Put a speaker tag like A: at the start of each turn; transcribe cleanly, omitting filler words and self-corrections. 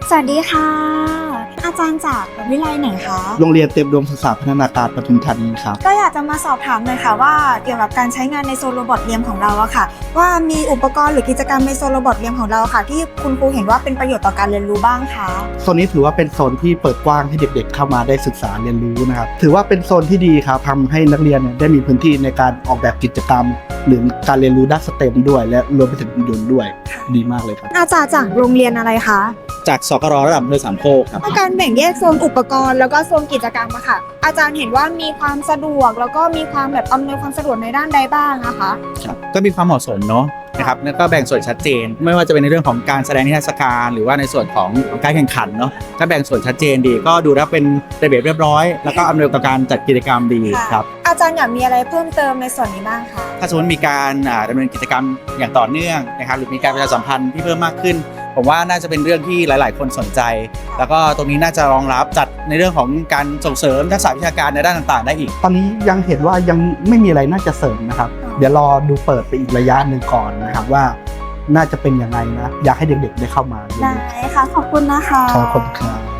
A: สวัสดีค่ะอาจารย์จากวิทยาลัยไหนคะ
B: โรงเรียนเต็มดวงศึกษาพัฒนาการปทุมธานีครับ
A: ก็อยากจะมาสอบถามหน่อยค่ะว่าเกี่ยวกับการใช้งานในโซนโรบอทเรียมของเราอะค่ะว่ามีอุปกรณ์หรือกิจกรรมในโซนโรบอทเรียมของเราค่ะที่คุณครูเห็นว่าเป็นประโยชน์ต่อการเรียนรู้บ้างคะ
B: โซนนี้ถือว่าเป็นโซนที่เปิดกว้างให้เด็กๆเข้ามาได้ศึกษาเรียนรู้นะครับถือว่าเป็นโซนที่ดีครับทำให้นักเรียนได้มีพื้นที่ในการออกแบบกิจกรรม หรือการเรียนรู้ด้านสเต็มด้วยและรวมไปถึงหุ่นยนต์ด้วยดีมากเลยครับ
A: อาจารย์จากโรงเรียนอะไรคะ
C: จากสกรระดับอำเภอสามโคกครับ
A: การแบ่งแยกโซนอุปกรณ์แล้วก็โซนกิจกรรมอะค่ะ อาจารย์เห็นว่ามีความสะดวกแล้วก็มีความแบบอำนวยความสะดวกในด้านใดบ้างนะคะ
C: ก็มีความเหมาะสมเนาะนะครับแล้วก็แบ่งส่วนชัดเจน ไม่ว่าจะเป็นในเรื่องของการแสดงนิทรรศการหรือว่าในส่วนของการแข่งขันเนาะถ้าแบ่งส่วนชัดเจนดีก็ดูแล้วเป็นระเบียบเรียบร้อยแล้วก็อำนวยต่อการจัดกิจกรรมดีครับ
A: อาจารย์อยากมีอะไรเพิ่มเติมในส่วนนี้บ้างคะ
C: ถ้าสมมติมีการดำเนินกิจกรรมอย่างต่อเนื่องนะครับหรือมีการประชาสัมพันธ์ที่เพิ่มมากขึ้น ผมว่าน่าจะเป็นเรื่องที่หลาย ๆ คนสนใจ แล้วก็ตรงนี้น่าจะรองรับจัดในเรื่องของการส่งเสริมทักษะวิชาการในด้านต่าง ๆ ได้อีก
B: ตอนนี้ยังเห็นว่ายังไม่มีอะไรน่าจะเสริมนะครับเดี๋ยวรอดูเปิดไปอีกระยะหนึ่งก่อนนะครับว่าน่าจะเป็นยังไงนะอยากให้เด็กๆได้เข้ามา
A: ได้ค่ะขอบคุณนะคะ
B: ขอบคุณครับ